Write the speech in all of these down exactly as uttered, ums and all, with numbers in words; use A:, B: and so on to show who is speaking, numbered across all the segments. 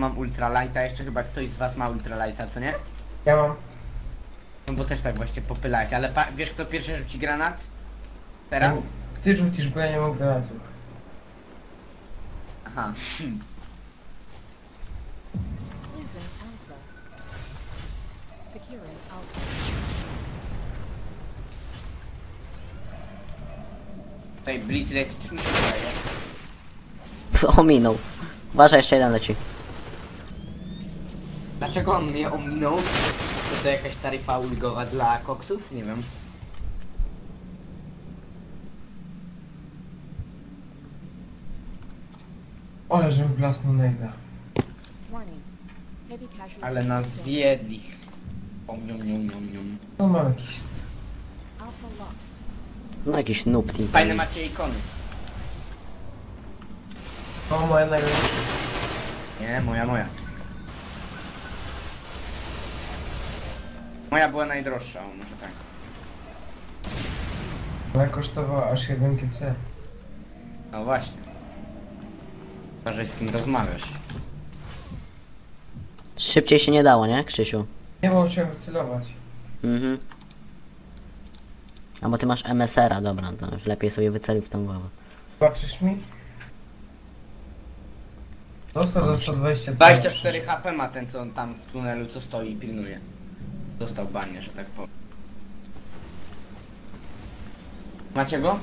A: mam ultralighta, jeszcze chyba ktoś z was ma ultralighta, co nie?
B: Ja mam.
A: No bo też tak właśnie popylałeś, ale pa wiesz kto pierwszy rzuci granat? Teraz?
B: Ty rzucisz, bo ja nie mam granatu.
A: Aha. Hmm.
C: Losing Alpha. Securing Alpha.
A: Tutaj Blitz leci, czy mi się wydaje?
D: Ominął. Uważaj, jeszcze jeden leci.
A: Dlaczego on mnie ominął? To to jakaś taryfa ulgowa dla koksów? Nie wiem.
B: Ale żebym blasnął nejda.
C: Warning. Heavy casualties.
A: Ale nas
C: detected.
A: zjedli. Om, nium, nium, nium, nium.
B: No mam jakiś.
C: Alpha lost.
D: No jakiś noob team.
A: Fajne macie ikony.
B: O, moja najlepsza.
A: Nie, moja, moja. Moja była najdroższa, o, może tak.
B: Moja kosztowała aż jeden G C.
A: No właśnie. Uważaj z kim rozmawiasz.
D: Szybciej się nie dało, nie, Krzysiu?
B: Nie, bo chciałem wycelować.
D: Mhm. A bo ty masz M S R a, dobra, to już lepiej sobie wyceluj w tą głowę.
B: Patrzysz mi? Dostał za sto dwadzieścia.
A: dwadzieścia cztery H P ma ten co on tam w tunelu co stoi i pilnuje. Dostał banie, że tak powiem. Macie go?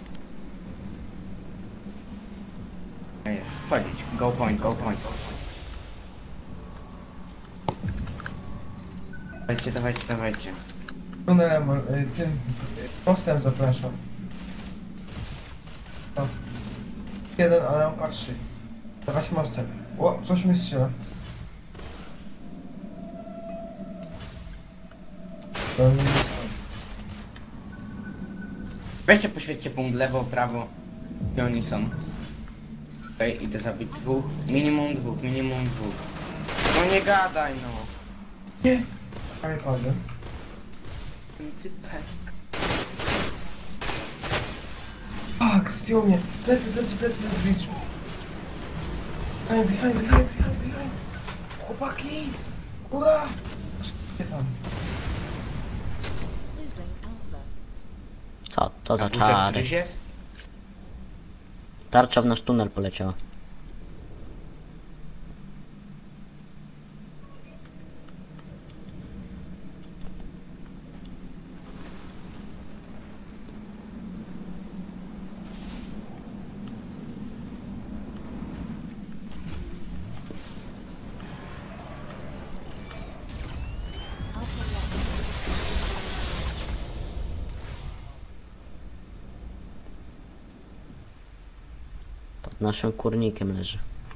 A: Jest, wchodzić. Go point, go point. Dawajcie, dawajcie, dawajcie.
B: Tunelem, y, tym postem zapraszam. No. Jeden, ale on patrzy. Dawać mostem. O, coś mi strzela. To nie jest on.
A: Weźcie, poświećcie punkt lewo, prawo. Gdzie oni są? Okej, idę zabić dwóch. Minimum dwóch, minimum dwóch. No nie gadaj no.
B: Nie! Ale padłem.
A: Ten typek.
B: Fuck, zdjął mnie. Plecy, plecy, plecy, plecy, plecy. Behind, behind, behind, behind, behind. Chłopaki! Ura! Gdzie tam?
C: Losing Alpha.
D: Co to za
A: A górze
D: czary?
A: któryś jest?
D: Tarcza w nasz tunel poleciała.
C: Alpha lost.
D: Pod naszym kurnikiem leży.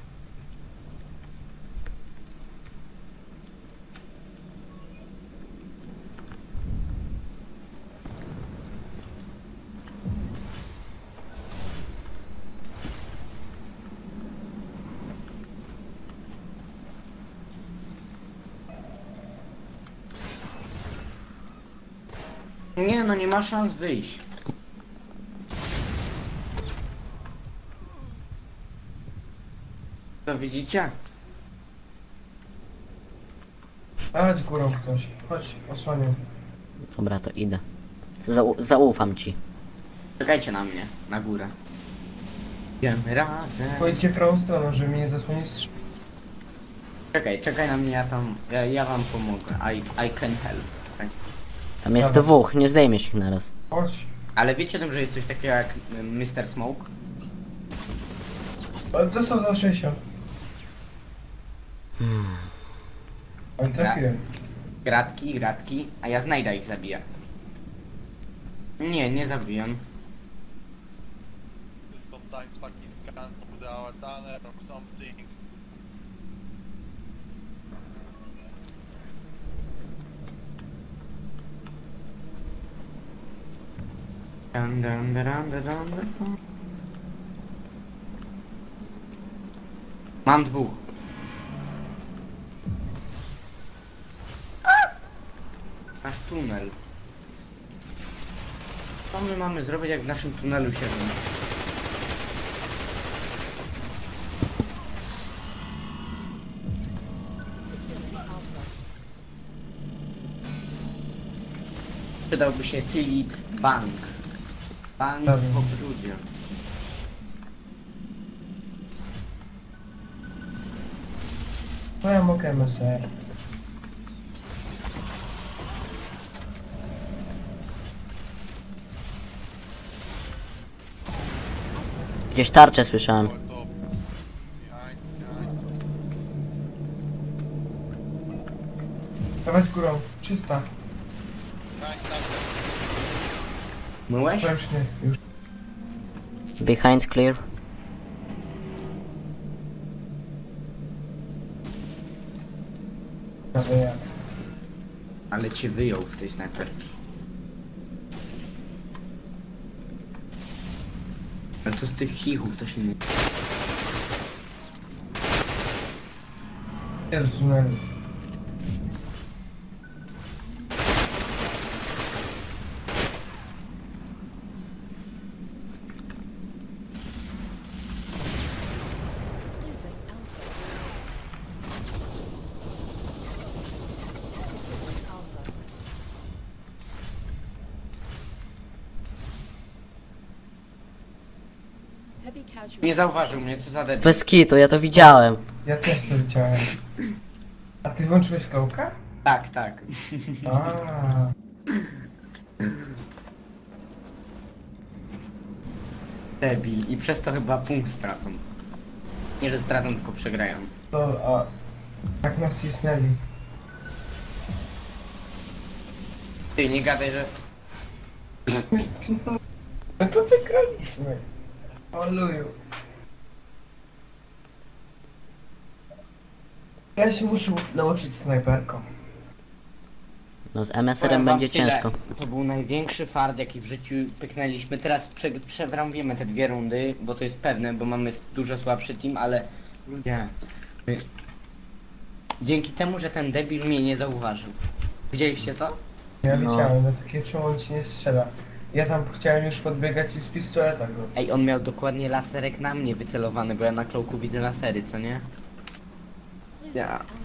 A: Nie no, nie ma szans wyjść. To widzicie?
B: Chodź górą ktoś. Chodź, osłaniam.
D: Dobra, to idę. Zau zaufam ci.
A: Czekajcie na mnie, na górę. Idziemy razem.
B: Pójdźcie prawą stroną, żeby mnie nie zasłonić strz...
A: Czekaj, czekaj na mnie, ja tam, ja, ja wam pomogę. I, I can help. Tak.
D: Tam jest
B: Dobra.
D: dwóch, nie zdejmiesz ich naraz.
B: Chodź.
A: Ale wiecie o tym, że jest coś takiego jak y, mister Smoke?
B: Ale to są za sześćdziesiąt.
D: Hmm.
B: Ale trafiłem.
A: Gratki, gratki, a ja znajdę ich zabiję. Nie, nie zabijam.
E: Sometimes fucking scan through our tunnel or something.
A: Dun, dun, dun, dun, dun, dun, dun. Mam dwóch. Nasz tunel. Co my mamy zrobić, jak w naszym tunelu siedzimy?
C: Alpha.
A: Przydałby się Cylit Bank. Bank
B: Dobra.
A: po brudzie.
B: No ja mogę M S R.
D: Gdzieś tarczę słyszałem.
E: Over top. Behind, behind.
B: Dawać górą. Czysta.
E: Behind tarczę.
A: Myłeś?
B: Ręczny. Już.
D: Behind clear.
B: Prawie jak.
A: Ale cię wyjął z tej snajperki. Ale to z tych chichów to się nie...
B: Jest w tunelu.
C: Losing Alpha. Alpha. Heavy casualties.
A: Nie zauważył mnie, co za debil.
D: Bez kitu, ja to widziałem.
B: Ja też to widziałem. A ty włączyłeś kołka?
A: Tak, tak.
B: A.
A: Debil. I przez to chyba punkt stracą. Nie, że stracą, tylko przegrają.
B: To, a... Tak nas cisnęli.
A: Ty, nie gadaj, że...
B: No to wygraliśmy. Oluju. Ja się muszę nauczyć snajperką.
D: No z M S
A: Powiem
D: R-em
A: wam
D: będzie
A: tyle.
D: ciężko.
A: To był największy fart, jaki w życiu pyknęliśmy. Teraz prze, przewrąbiemy te dwie rundy, bo to jest pewne, bo mamy dużo słabszy team, ale... Nie. My- Dzięki temu, że ten debil mnie nie zauważył. Widzieliście to?
B: Ja
D: No.
B: widziałem, no takie czemu on ci nie strzela. Ja tam chciałem już podbiegać i z pistoleta go.
A: Ej, on miał dokładnie laserek na mnie wycelowany, bo ja na klołku widzę lasery, co nie?
C: Losing
A: Ja.
C: Alpha.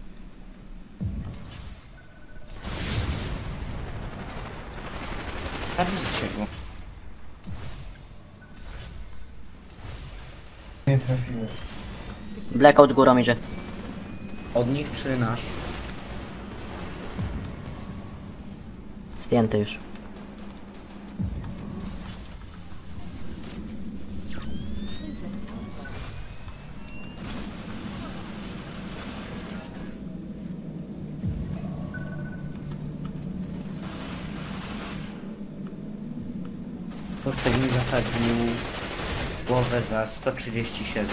A: Zabijcie go.
B: Nie trafiłem.
D: Blackout górą idzie.
A: Od nich czy nasz?
D: Zdjęty już.
C: Losing Alpha.
A: Kostek mi zasadził głowę za sto trzydzieści siedem.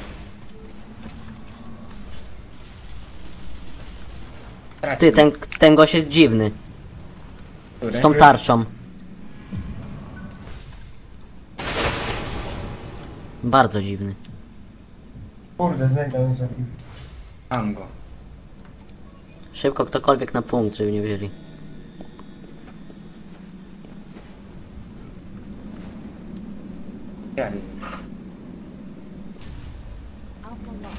D: Ty, ten, ten gość jest dziwny.
A: Który?
D: Z tą tarczą. Bardzo dziwny.
B: Kurde, znajdę mnie zabił.
A: Mam go.
D: Szybko ktokolwiek na punkt, żeby nie wzięli.
A: Ja już.
C: Alpha lost.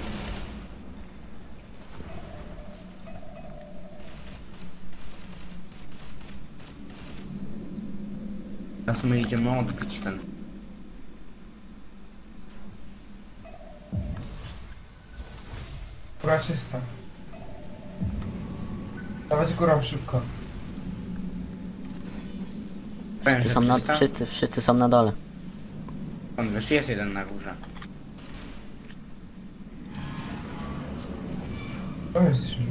A: Teraz my idziemy odbić ten.
B: Góra czysta. Dawać górą szybko.
A: Powiem,
D: Wszyscy
A: że
D: są, na,
A: czysta?
D: wszyscy, wszyscy są na dole.
A: On wiesz, jest jeden na górze.
B: To jest drzwi.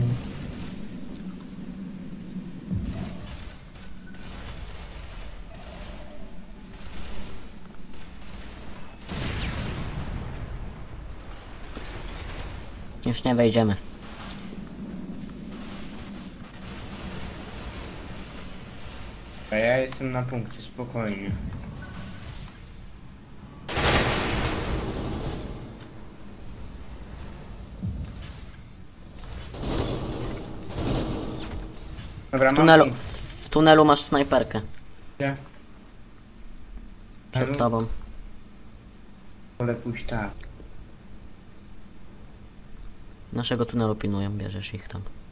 D: Już nie wejdziemy.
A: A ja jestem na punkcie, spokojnie. Dobra,
D: W
A: mam
D: tunelu,
A: punkt.
D: w tunelu masz snajperkę.
A: Gdzie?
D: Przed
A: Tunelu?
D: tobą.
A: Wolę pójść tak.
D: Naszego tunelu pilnują, bierzesz ich tam.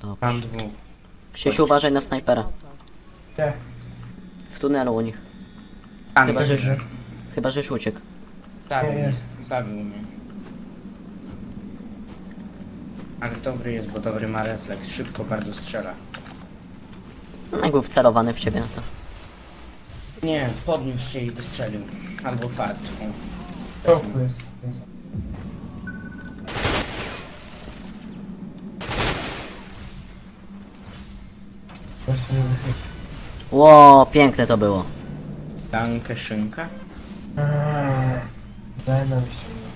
D: Dobrze.
A: Mam dwóch.
D: Krzysiu, uważaj na snajpera.
C: Alpha.
B: Nie.
D: W tunelu u nich.
A: Tam
D: Chyba,
A: jest.
D: że,
B: że-
D: chyba, żeś uciekł.
A: Zabił
B: Nie,
A: mnie.
B: jest.
A: Zabił mnie. Ale dobry jest, bo dobry ma refleks. Szybko bardzo strzela.
D: No, jak był wcelowany w ciebie, no to.
A: Nie, podniósł się i wystrzelił. Albo fart. O.
B: W środku jest. jest. Właśnie nie wychylił.
D: Ło, piękne to było.
A: Dankę szynka?
B: Aaa, Daj nam ściągnąć.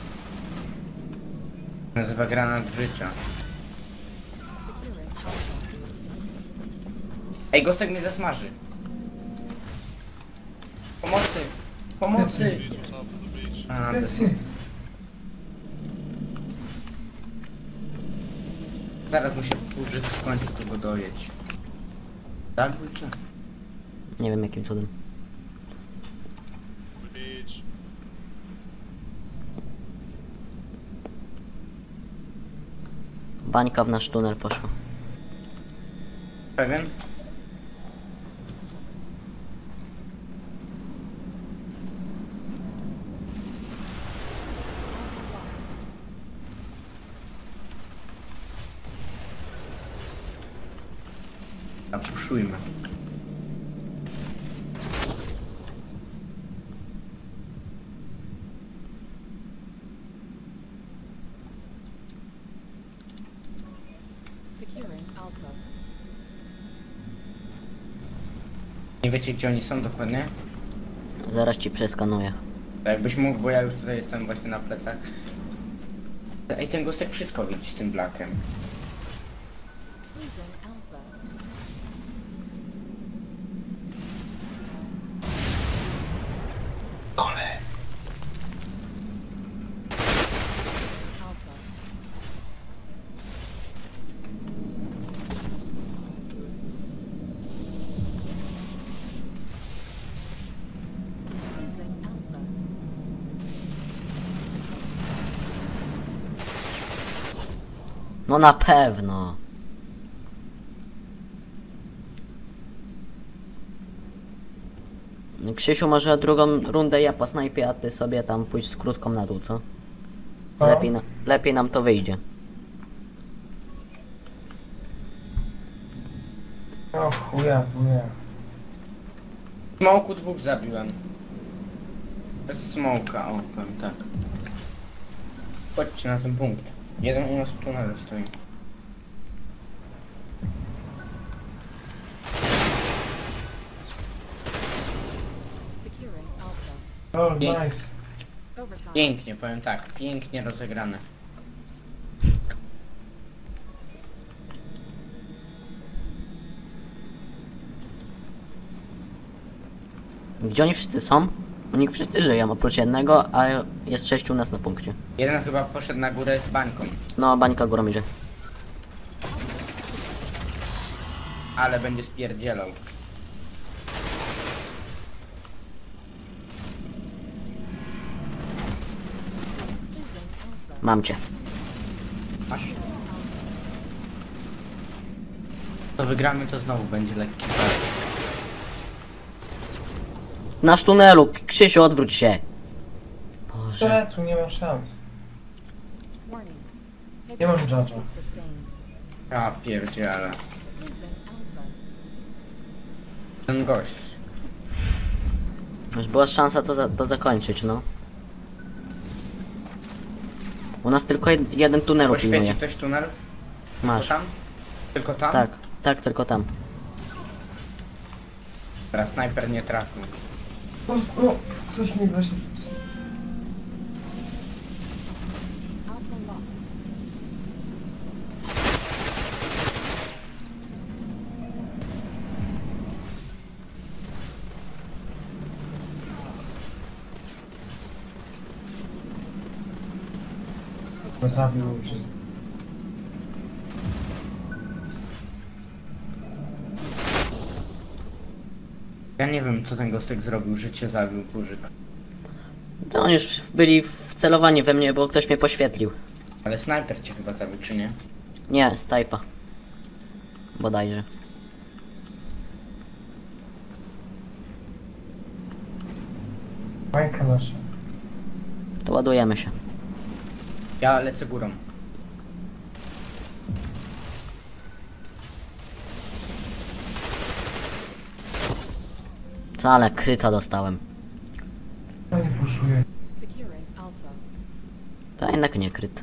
A: Nazywa granat życia.
C: Securing Alpha.
A: Ej, Gostek mnie zasmaży. Pomocy! Pomocy! A, zes...
B: Plecy.
A: Zaraz mu się użyć skończy, to go dojedź. Tak, czy?
D: Nie wiem jakim cudem.
E: Bridge.
D: Bańka w nasz tunel poszła.
A: Pewien? Zapuszujmy.
C: Securing Alpha.
A: Nie wiecie, gdzie oni są dokładnie?
D: Zaraz ci przeskanuję.
A: To jakbyś mógł, bo ja już tutaj jestem właśnie na plecach. Ej, ten Gostek wszystko widzi z tym blakiem.
C: Losing Alpha.
B: Kole.
C: Alpha. Losing Alpha.
D: No na pewno. Krzysiu, może drugą rundę ja po snajpie, a ty sobie tam pójść z krótką na dół, co?
B: No.
D: Lepiej, na, lepiej nam to wyjdzie.
B: O chuja, chuja.
A: Smoku dwóch zabiłem. Bez smoka, o, powiem tak. Chodźcie na ten punkt. Jeden u nas w tunelu stoi.
C: Securing Alpha.
B: O,
A: Nie.
B: nice.
C: Overtime.
A: Pięknie, powiem tak. Pięknie rozegrane.
D: Gdzie oni wszyscy są? Oni wszyscy żyją, oprócz jednego, a jest sześciu u nas na punkcie.
A: Jeden chyba poszedł na górę z bańką.
D: No, bańka górą idzie.
A: Ale będzie spierdzielał.
C: Losing Alpha.
D: Mam cię.
A: Masz? To wygramy, to znowu będzie lekki fart.
D: Nasz tunelu, Krzysiu, odwróć się. Boże.
B: Że tu nie ma szans.
C: Warning.
B: Nie mam
C: Heavy
B: judge'a.
C: casualties sustained.
A: A pierdziele.
C: Losing Alpha.
A: Ten gość.
D: Już była szansa to, za, to zakończyć, no. U nas tylko jed, jeden tunelu
A: Poświeci
D: pilnuje.
A: ktoś tunel? Tylko
D: Masz.
A: tam? Tylko tam?
D: Tak, tak, tylko tam.
A: Teraz snajper nie trafił.
B: O, o, ktoś mi właśnie...
C: Alpha lost.
B: Go zabił przez...
A: Ja nie wiem, co ten Gostek zrobił. Życie zabił kurzyk.
D: To oni już byli wcelowani we mnie, bo ktoś mnie poświetlił.
A: Ale snajper cię chyba zabił, czy nie?
D: Nie, z Type'a. bodajże.
B: Bańka nasza.
D: To ładujemy się.
A: Ja lecę górą.
D: Co, ale kryta dostałem.
B: No nie puszuję.
C: Securing Alpha.
D: To jednak nie kryt.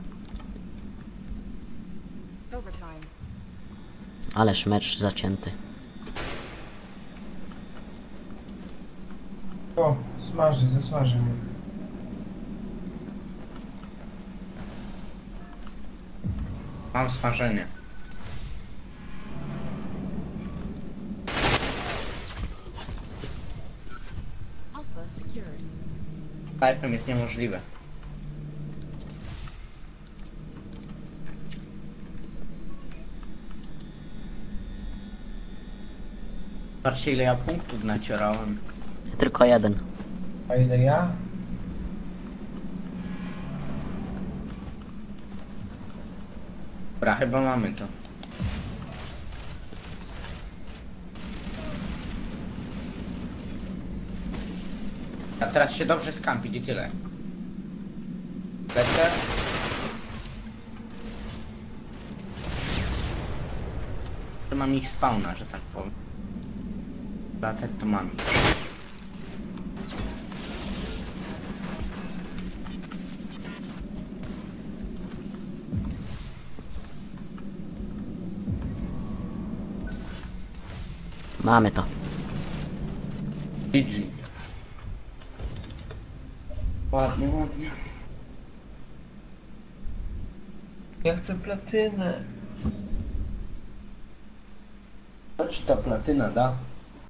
C: Overtime.
D: Ależ mecz zacięty.
B: O, smaży, zasmaży mnie.
A: Mam smażenie.
C: Alpha secured.
A: Snajpem jest niemożliwe. Patrzcie ile ja punktów nacierałem.
D: Tylko jeden.
B: A ile ja?
A: Dobra, chyba mamy to. A teraz się dobrze skampić i tyle. Lecę. To mam ich spawna, że tak powiem. Latać to mam ich.
D: Mamy to.
A: G G. Ładnie, ładnie.
B: Ja chcę platynę.
A: Co ci ta platyna da?